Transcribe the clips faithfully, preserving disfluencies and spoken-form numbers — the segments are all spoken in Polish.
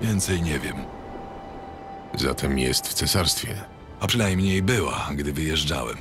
Więcej nie wiem. Zatem jest w cesarstwie. A przynajmniej była, gdy wyjeżdżałem.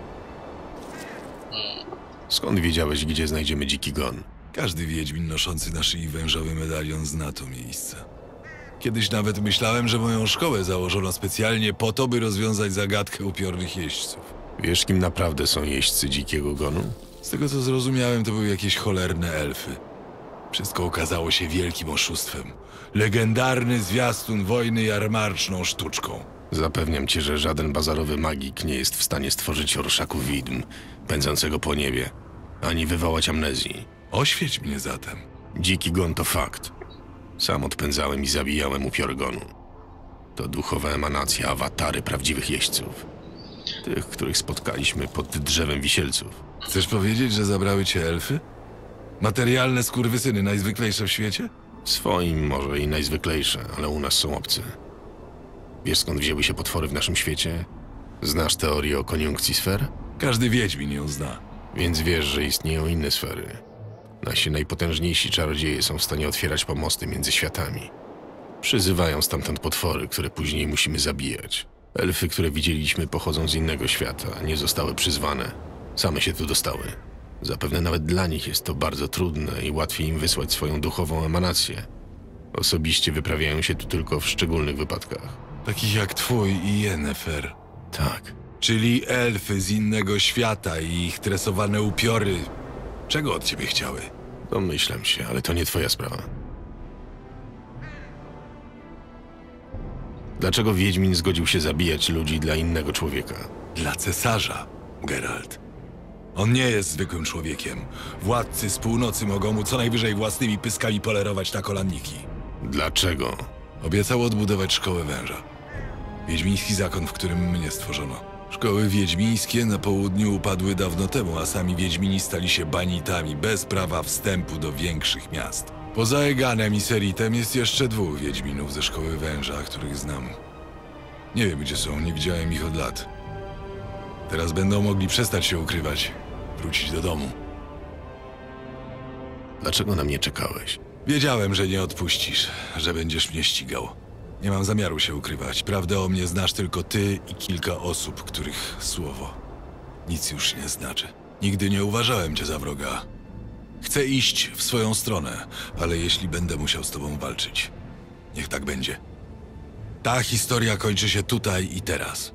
Skąd wiedziałeś, gdzie znajdziemy dziki gon? Każdy wiedźmin noszący na szyi wężowy medalion zna to miejsce. Kiedyś nawet myślałem, że moją szkołę założono specjalnie po to, by rozwiązać zagadkę upiornych jeźdźców. Wiesz, kim naprawdę są jeźdźcy dzikiego gonu? Z tego co zrozumiałem, to były jakieś cholerne elfy. Wszystko okazało się wielkim oszustwem. Legendarny zwiastun wojny jarmarczną sztuczką. Zapewniam cię, że żaden bazarowy magik nie jest w stanie stworzyć orszaku widm, pędzącego po niebie, ani wywołać amnezji. Oświeć mnie zatem. Dziki gon to fakt. Sam odpędzałem i zabijałem upiory gonu. To duchowa emanacja, awatary prawdziwych jeźdźców. Tych, których spotkaliśmy pod drzewem wisielców. Chcesz powiedzieć, że zabrały cię elfy? Materialne skurwysyny, najzwyklejsze w świecie? Swoim może i najzwyklejsze, ale u nas są obcy. Wiesz, skąd wzięły się potwory w naszym świecie? Znasz teorię o koniunkcji sfer? Każdy wiedźmin ją zna. Więc wiesz, że istnieją inne sfery. Nasi najpotężniejsi czarodzieje są w stanie otwierać pomosty między światami. Przyzywają stamtąd potwory, które później musimy zabijać. Elfy, które widzieliśmy, pochodzą z innego świata, nie zostały przyzwane. Same się tu dostały. Zapewne nawet dla nich jest to bardzo trudne i łatwiej im wysłać swoją duchową emanację. Osobiście wyprawiają się tu tylko w szczególnych wypadkach. Takich jak twój i Yennefer. Tak. Czyli elfy z innego świata i ich tresowane upiory. Czego od ciebie chciały? Domyślam się, ale to nie twoja sprawa. Dlaczego Wiedźmin zgodził się zabijać ludzi dla innego człowieka? Dla cesarza, Geralt. On nie jest zwykłym człowiekiem. Władcy z północy mogą mu co najwyżej własnymi pyskami polerować na kolanniki. Dlaczego? Obiecał odbudować szkołę węża. Wiedźmiński zakon, w którym mnie stworzono. Szkoły wiedźmińskie na południu upadły dawno temu, a sami wiedźmini stali się banitami, bez prawa wstępu do większych miast. Poza Eganem i Seritem jest jeszcze dwóch wiedźminów ze szkoły węża, których znam. Nie wiem, gdzie są, nie widziałem ich od lat. Teraz będą mogli przestać się ukrywać, wrócić do domu. Dlaczego na mnie czekałeś? Wiedziałem, że nie odpuścisz, że będziesz mnie ścigał. Nie mam zamiaru się ukrywać. Prawdę o mnie znasz tylko ty i kilka osób, których słowo nic już nie znaczy. Nigdy nie uważałem cię za wroga. Chcę iść w swoją stronę, ale jeśli będę musiał z tobą walczyć, niech tak będzie. Ta historia kończy się tutaj i teraz.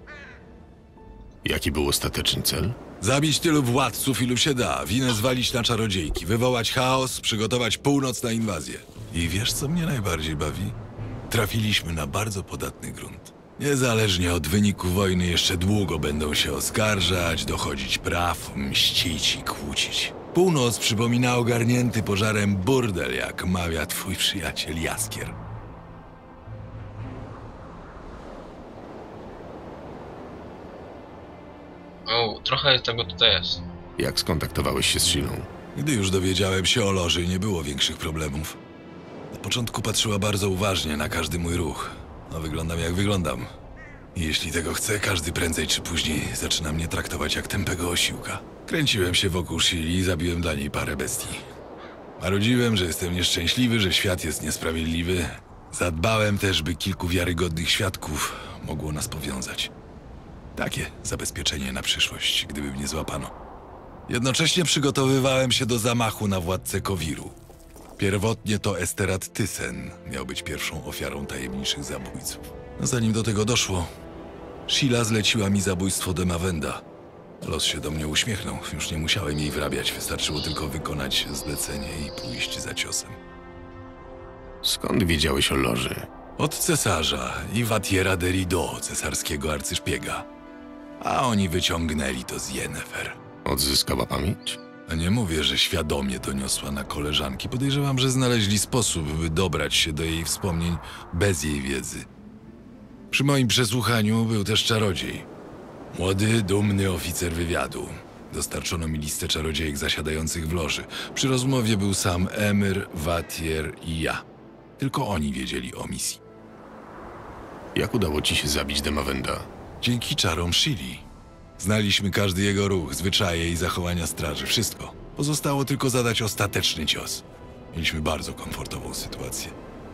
Jaki był ostateczny cel? Zabić tylu władców, ilu się da, winę zwalić na czarodziejki, wywołać chaos, przygotować północ na inwazję. I wiesz, co mnie najbardziej bawi? Trafiliśmy na bardzo podatny grunt. Niezależnie od wyniku wojny jeszcze długo będą się oskarżać, dochodzić praw, mścić i kłócić. Północ przypomina ogarnięty pożarem burdel, jak mawia twój przyjaciel Jaskier. O, trochę tego tutaj jest. Jak skontaktowałeś się z Shilą? Gdy już dowiedziałem się o loży, nie było większych problemów. Na początku patrzyła bardzo uważnie na każdy mój ruch. No, wyglądam jak wyglądam. I jeśli tego chcę, każdy prędzej czy później zaczyna mnie traktować jak tępego osiłka. Kręciłem się wokół Shili i zabiłem dla niej parę bestii. Marudziłem, że jestem nieszczęśliwy, że świat jest niesprawiedliwy. Zadbałem też, by kilku wiarygodnych świadków mogło nas powiązać. Takie zabezpieczenie na przyszłość, gdyby mnie złapano. Jednocześnie przygotowywałem się do zamachu na władcę Kowiru. Pierwotnie to Esterat Thyssen miał być pierwszą ofiarą tajemniczych zabójców. No, zanim do tego doszło, Shila zleciła mi zabójstwo Demawenda. Los się do mnie uśmiechnął, już nie musiałem jej wrabiać, wystarczyło tylko wykonać zlecenie i pójść za ciosem. Skąd wiedziałeś o loży? Od cesarza i Watiera de Rideau, cesarskiego arcyszpiega. A oni wyciągnęli to z Yennefer. Odzyskała pamięć? A nie mówię, że świadomie doniosła na koleżanki. Podejrzewam, że znaleźli sposób, by dobrać się do jej wspomnień bez jej wiedzy. Przy moim przesłuchaniu był też czarodziej. Młody, dumny oficer wywiadu. Dostarczono mi listę czarodziejek zasiadających w loży. Przy rozmowie był sam Emir, Watier i ja. Tylko oni wiedzieli o misji. Jak udało ci się zabić Demawenda? Dzięki czarom Shili. Znaliśmy każdy jego ruch, zwyczaje i zachowania straży. Wszystko. Pozostało tylko zadać ostateczny cios. Mieliśmy bardzo komfortową sytuację.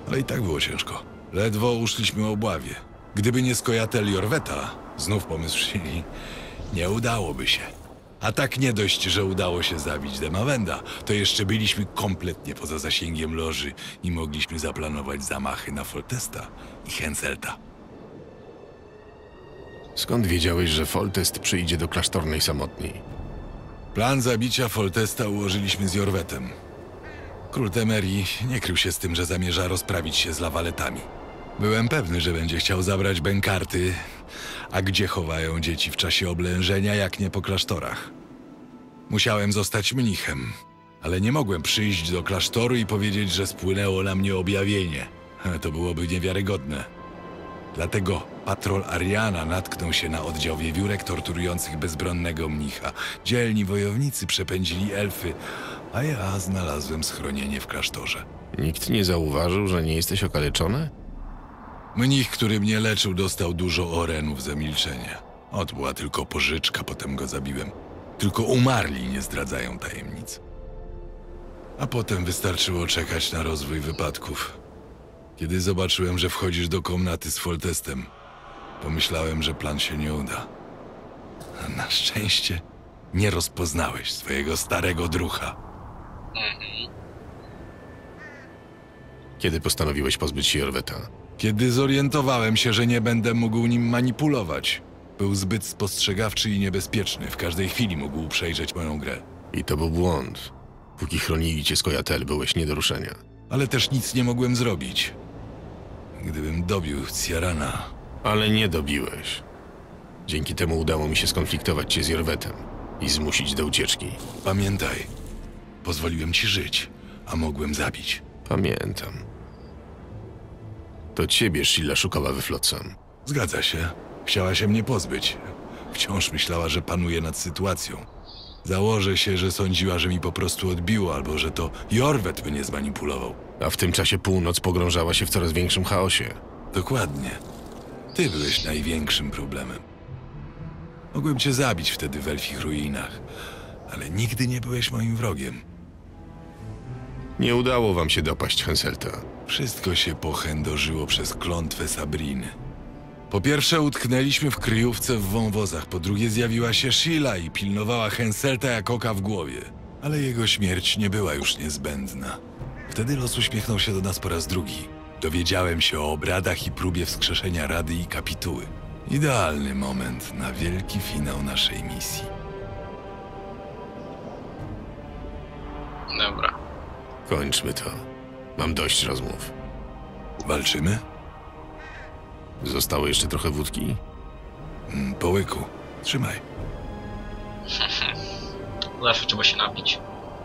Ale i tak było ciężko. Ledwo uszliśmy obławie. Gdyby nie skojatel Jorweta, znów pomysł Shiri, nie udałoby się. A tak nie dość, że udało się zabić Demawenda, to jeszcze byliśmy kompletnie poza zasięgiem loży i mogliśmy zaplanować zamachy na Foltesta i Henselta. Skąd wiedziałeś, że Foltest przyjdzie do klasztornej samotni? Plan zabicia Foltesta ułożyliśmy z Jorwetem. Król Temerii nie krył się z tym, że zamierza rozprawić się z lawaletami. Byłem pewny, że będzie chciał zabrać bękarty, a gdzie chowają dzieci w czasie oblężenia, jak nie po klasztorach. Musiałem zostać mnichem, ale nie mogłem przyjść do klasztoru i powiedzieć, że spłynęło na mnie objawienie. To byłoby niewiarygodne. Dlatego patrol Ariana natknął się na oddział wiewiórek torturujących bezbronnego mnicha. Dzielni wojownicy przepędzili elfy, a ja znalazłem schronienie w klasztorze. Nikt nie zauważył, że nie jesteś okaleczony? Mnich, który mnie leczył, dostał dużo orenów za milczenie. Ot była tylko pożyczka, potem go zabiłem. Tylko umarli nie zdradzają tajemnic. A potem wystarczyło czekać na rozwój wypadków. Kiedy zobaczyłem, że wchodzisz do komnaty z Foltestem, pomyślałem, że plan się nie uda. A na szczęście nie rozpoznałeś swojego starego drucha. Kiedy postanowiłeś pozbyć się Jorweta? Kiedy zorientowałem się, że nie będę mógł nim manipulować. Był zbyt spostrzegawczy i niebezpieczny. W każdej chwili mógł przejrzeć moją grę. I to był błąd. Póki chronili cię skojatel, byłeś nie do ruszenia. Ale też nic nie mogłem zrobić. Gdybym dobił Ciarana... Ale nie dobiłeś. Dzięki temu udało mi się skonfliktować cię z Jorwetem i zmusić do ucieczki. Pamiętaj, pozwoliłem ci żyć, a mogłem zabić. Pamiętam. To ciebie Sheila szukała we Flotsam. Zgadza się. Chciała się mnie pozbyć. Wciąż myślała, że panuje nad sytuacją. Założę się, że sądziła, że mi po prostu odbiło, albo że to Jorwet mnie zmanipulował. A w tym czasie północ pogrążała się w coraz większym chaosie. Dokładnie. Ty byłeś największym problemem. Mogłem cię zabić wtedy w elfich ruinach, ale nigdy nie byłeś moim wrogiem. Nie udało wam się dopaść Henselta. Wszystko się pochędożyło przez klątwę Sabriny. Po pierwsze utknęliśmy w kryjówce w wąwozach, po drugie zjawiła się Sheila i pilnowała Henselta jak oka w głowie. Ale jego śmierć nie była już niezbędna. Wtedy los uśmiechnął się do nas po raz drugi. Dowiedziałem się o obradach i próbie wskrzeszenia Rady i Kapituły. Idealny moment na wielki finał naszej misji. Dobra. Kończmy to. Mam dość rozmów. Walczymy? Zostało jeszcze trochę wódki? Mm, Po łyku. Trzymaj. Zawsze trzeba się napić.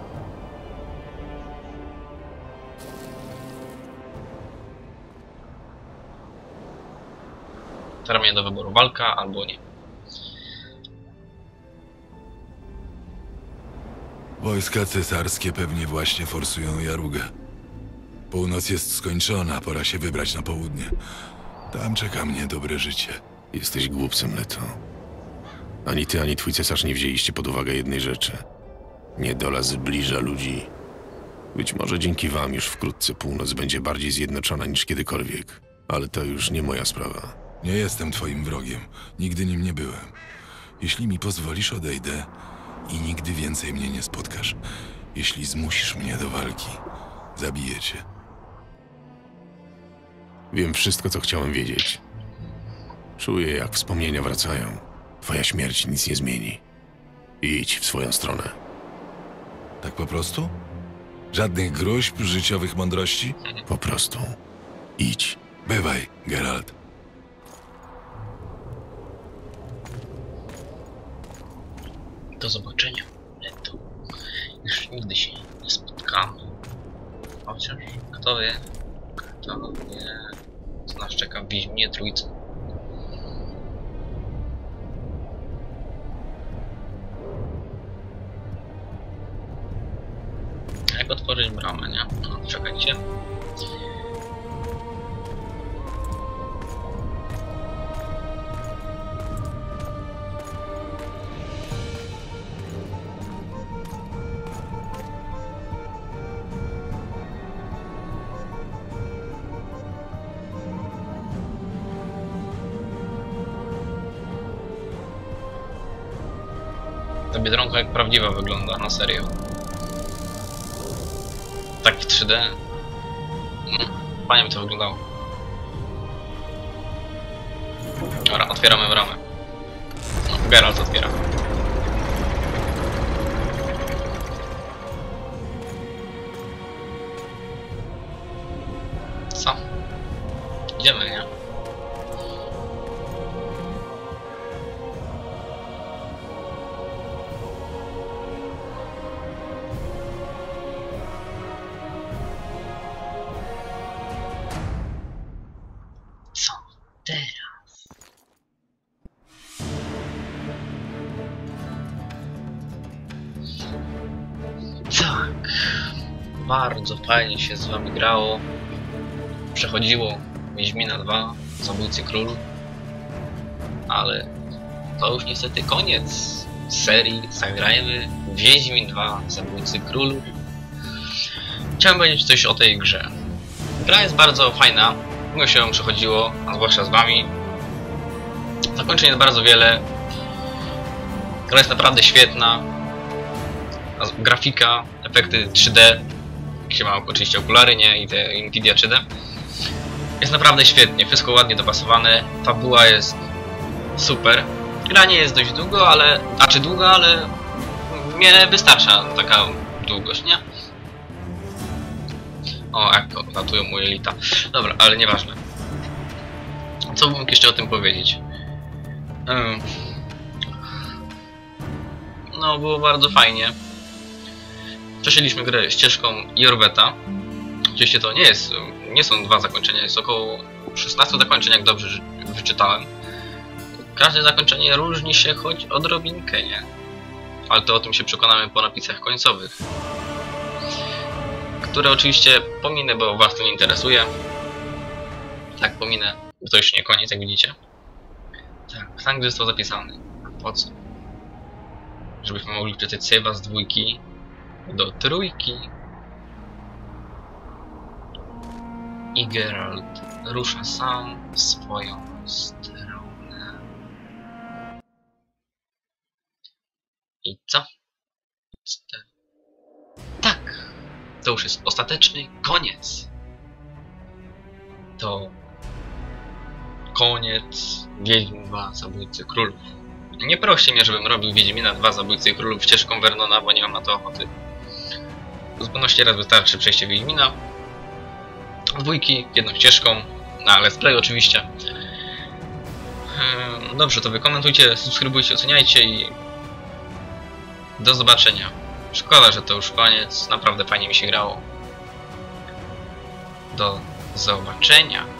Teraz mnie do wyboru walka albo nie. Wojska cesarskie pewnie właśnie forsują Jarugę. Północ jest skończona, pora się wybrać na południe. Tam czeka mnie dobre życie. Jesteś głupcem, Leto. Ani ty, ani twój cesarz nie wzięliście pod uwagę jednej rzeczy. Niedola zbliża ludzi. Być może dzięki wam już wkrótce północ będzie bardziej zjednoczona niż kiedykolwiek. Ale to już nie moja sprawa. Nie jestem twoim wrogiem. Nigdy nim nie byłem. Jeśli mi pozwolisz, odejdę i nigdy więcej mnie nie spotkasz. Jeśli zmusisz mnie do walki, zabiję cię. Wiem wszystko, co chciałem wiedzieć. Czuję, jak wspomnienia wracają. Twoja śmierć nic nie zmieni. Idź w swoją stronę. Tak po prostu? Żadnych gruźb, życiowych mądrości? Po prostu. Idź. Bywaj, Geralt. Do zobaczenia, Leto. Już nigdy się nie spotkamy. Chociaż, kto wie, kto wie, co nas czeka w Wiedźminie Trójce. Jak otworzyć bramę, nie? No, czekajcie. Ta Biedronka jak prawdziwa wygląda, na serio. Tak w trzy D. Mm, fajnie by to wyglądało. Dobra, otwieramy bramę. No, Geralt otwiera. Co? Idziemy, nie? Co teraz? Tak. Bardzo fajnie się z wami grało. Przechodziło Wiedźmina dwa, Zabójcy Królów. Ale to już niestety koniec serii. Zagrajmy Wiedźmin dwa, Zabójcy Królów. Chciałem powiedzieć coś o tej grze. Gra jest bardzo fajna. Miło się ją przechodziło, a zwłaszcza z wami. Zakończeń jest bardzo wiele. Gra jest naprawdę świetna. Grafika, efekty trzy D. Jak się ma oczywiście okulary, nie? I te Nvidia trzy D. Jest naprawdę świetnie, wszystko ładnie dopasowane. Fabuła jest super. Gra nie jest dość długo, ale... A czy długa, ale... Mnie wystarcza taka długość, nie? O, jak latują moje lita. Dobra, ale nieważne. Co bym mógł jeszcze o tym powiedzieć? Hmm. No, było bardzo fajnie. Przeszliśmy grę ścieżką Jorveta. Oczywiście to nie jest, nie są dwa zakończenia, jest około szesnaście zakończeń, jak dobrze wyczytałem. Każde zakończenie różni się choć odrobinkę, nie? Ale to o tym się przekonamy po napisach końcowych. Które oczywiście pominę, bo was to nie interesuje. Tak, pominę, bo to już nie koniec, jak widzicie. Tak, tam gdzie został zapisany. Po co? Żebyśmy mogli wczytać save'a z dwójki do trójki. I Geralt rusza sam w swoją stronę. I co? Tak! To już jest ostateczny koniec. To koniec Wiedźmin dwa, Zabójcy Królów. Nie proście mnie, żebym robił Wiedźmina dwa, Zabójcy Królów ścieżką Vernona, bo nie mam na to ochoty. W zupełności raz wystarczy przejście Wiedźmina. Dwójki, jedną ścieżką, na Let's Play oczywiście. Dobrze, to wy komentujcie, subskrybujcie, oceniajcie i do zobaczenia. Szkoda, że to już koniec, naprawdę fajnie mi się grało. Do zobaczenia.